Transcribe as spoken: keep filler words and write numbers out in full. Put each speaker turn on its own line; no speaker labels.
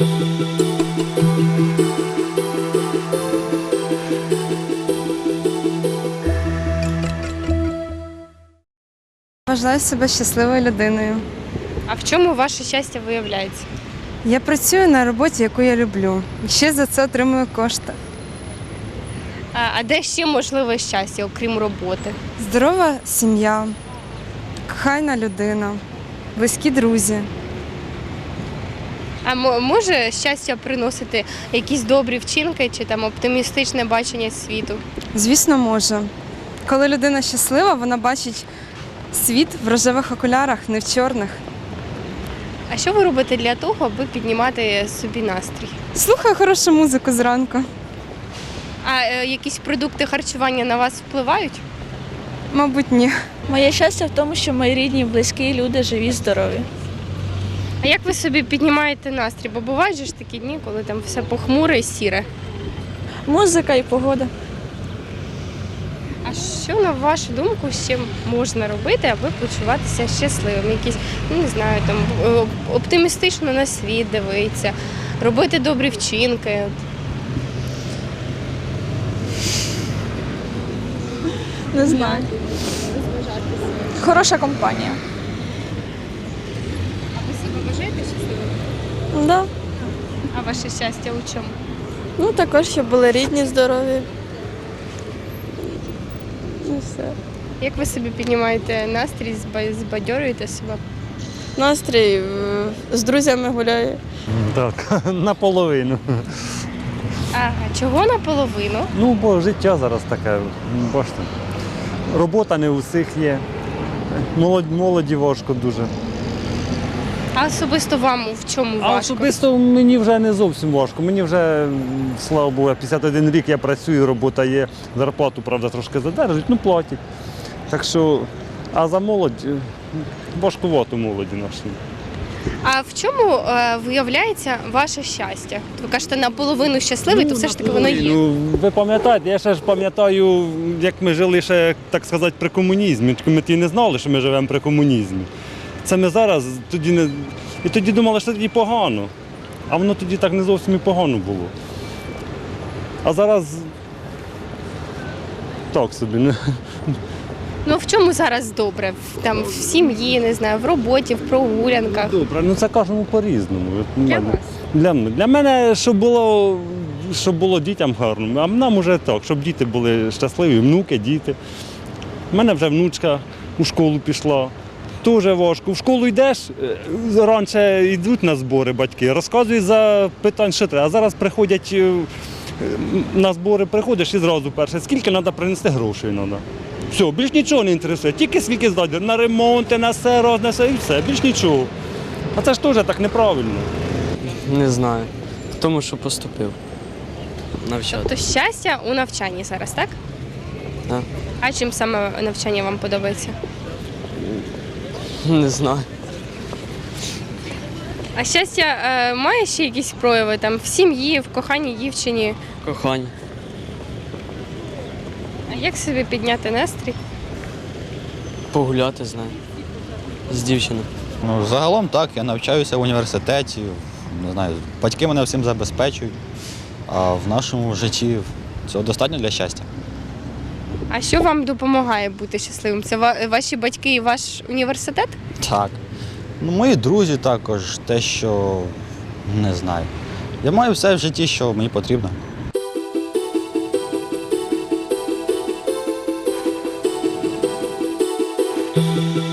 Вважаю себе щасливою людиною.
А в чому ваше щастя виявляється?
Я працюю на роботі, яку я люблю. І ще за це отримую кошти.
А, а де ще можливе щастя, окрім роботи?
Здорова сім'я, кохана людина, близькі друзі.
А мо- може щастя приносити якісь добрі вчинки чи там оптимістичне бачення світу?
Звісно, може. Коли людина щаслива, вона бачить світ в рожевих окулярах, не в чорних.
А що ви робите для того, аби піднімати собі настрій?
Слухаю хорошу музику зранку.
А е, якісь продукти харчування на вас впливають?
Мабуть, ні.
Моє щастя в тому, що мої рідні, близькі люди живі, здорові.
А як ви собі піднімаєте настрій? Бо бувають же ж такі дні, коли там все похмуре і сіре.
Музика і погода.
А що, на вашу думку, ще можна робити, аби почуватися щасливим? Якісь, ну не знаю, там е, оптимістично на світ дивитися, робити добрі вчинки.
Не знаю. Хороша компанія.
А ви себе вважаєте щасливим?
Да.
А ваше щастя у чому?
Ну також, щоб були рідні, здорові. І все.
Як ви собі піднімаєте настрій, зба- збадьорюєте себе?
Настрій е, з друзями гуляю.
Так, наполовину.
Ага, чого наполовину?
Ну, бо життя зараз таке, бачите. Робота не у всіх є. Молодь, молоді важко дуже.
А особисто вам в чому
А
важко?
особисто мені вже не зовсім важко. Мені вже, слава Богу, п'ятдесят один рік я працюю, робота є. Зарплату, правда, трошки задержують, ну платять. Так що, а за молодь, важкувато молоді наші.
А в чому е, виявляється ваше щастя? Ви кажете, наполовину щасливий, то все ж таки воно є.
Ну, ви пам'ятаєте, я ще ж пам'ятаю, як ми жили ще, так сказати, при комунізмі. Ми тоді не знали, що ми живемо при комунізмі. Це ми зараз тоді не. І тоді думали, що тоді погано. А воно тоді так не зовсім і погано було. А зараз так собі. Не.
Ну в чому зараз добре? В, там, в сім'ї, не знаю, в роботі, в прогулянках.
Добре, ну це кожному по-різному. От
Для
мене-
вас?
Для, мене- для мене, щоб було, щоб було дітям гарно, а нам уже так, щоб діти були щасливі, внуки, діти. У мене вже внучка у школу пішла. Дуже важко. В школу йдеш, е, раніше йдуть на збори батьки, розказують за питань, що треба. А зараз приходять е, на збори, приходиш і зразу перше, скільки треба принести грошей. Треба. Все, більш нічого не інтересує, тільки скільки здати на ремонти, на все, роз, на все і все, більш нічого. А це ж теж так неправильно.
Не знаю. В тому, що поступив. Навчати.
То щастя у навчанні зараз, так?
Так.
А чим саме навчання вам подобається?
Не знаю.
А щастя е, має ще якісь прояви там в сім'ї, в коханій дівчині?
Кохання.
А як собі підняти настрій?
Погуляти знаю. З дівчиною.
Ну, загалом так, я навчаюся в університеті, не знаю, батьки мене всім забезпечують, а в нашому житті цього достатньо для щастя.
А що вам допомагає бути щасливим? Це ва- ваші батьки і ваш університет?
Так. Ну, мої друзі також, те, що не знаю. Я маю все в житті, що мені потрібно.
Thank you.